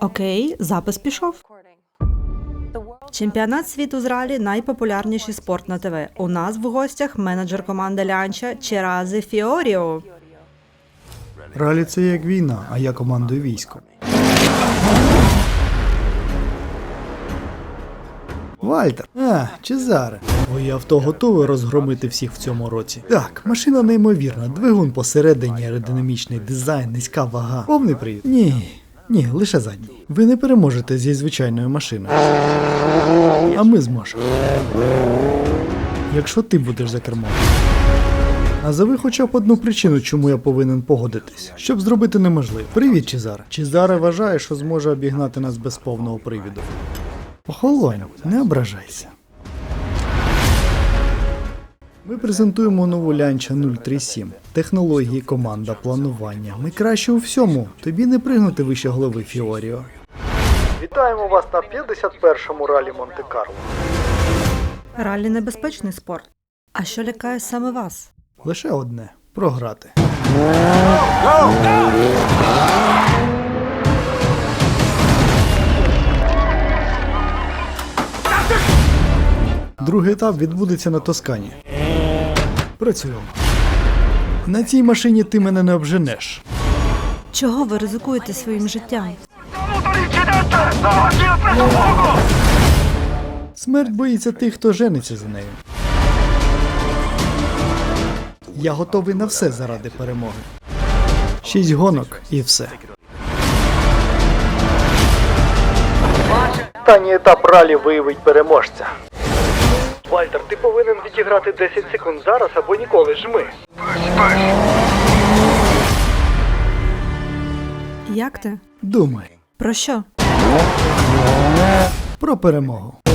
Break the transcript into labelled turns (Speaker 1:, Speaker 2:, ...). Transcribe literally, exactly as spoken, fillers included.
Speaker 1: Окей, запис пішов. Чемпіонат світу з ралі – найпопулярніший спорт на ТВ. У нас в гостях менеджер команди Лянча Черази Фіоріо.
Speaker 2: Ралі – це як війна, а я командую військом. Вальтер, а, Чезаре. Твоє авто готове розгромити всіх в цьому році? Так, машина неймовірна, двигун посередині, аеродинамічний дизайн, низька вага. Повний привід? Ні, ні, лише задній. Ви не переможете зі звичайною машиною. А ми зможемо. Якщо ти будеш за кермом. Назови хоча б одну причину, чому я повинен погодитись, щоб зробити неможливе. Привіт, Чезаре. Чезаре вважає, що зможе обігнати нас без повного привіду. Охолонь, не ображайся. Ми презентуємо нову Лянча нуль три сім. Технології, команда, планування. Ми краще у всьому. Тобі не пригнути вище голови, Фіоріо. Вітаємо вас на п'ятдесят першому ралі Монте-Карло.
Speaker 1: Ралі – небезпечний спорт. А що лякає саме вас?
Speaker 2: Лише одне – програти. Другий етап відбудеться на Тоскані. Працюємо. На цій машині ти мене не обженеш.
Speaker 1: Чого ви ризикуєте своїм життям?
Speaker 2: Смерть боїться тих, хто жениться за нею. Я готовий на все заради перемоги. Шість гонок і все. Останній етап ралі виявить переможця. Вальтер, ти повинен відіграти десять секунд зараз або ніколи, жми.
Speaker 1: Як ти?
Speaker 2: Думай.
Speaker 1: Про що?
Speaker 2: Про перемогу.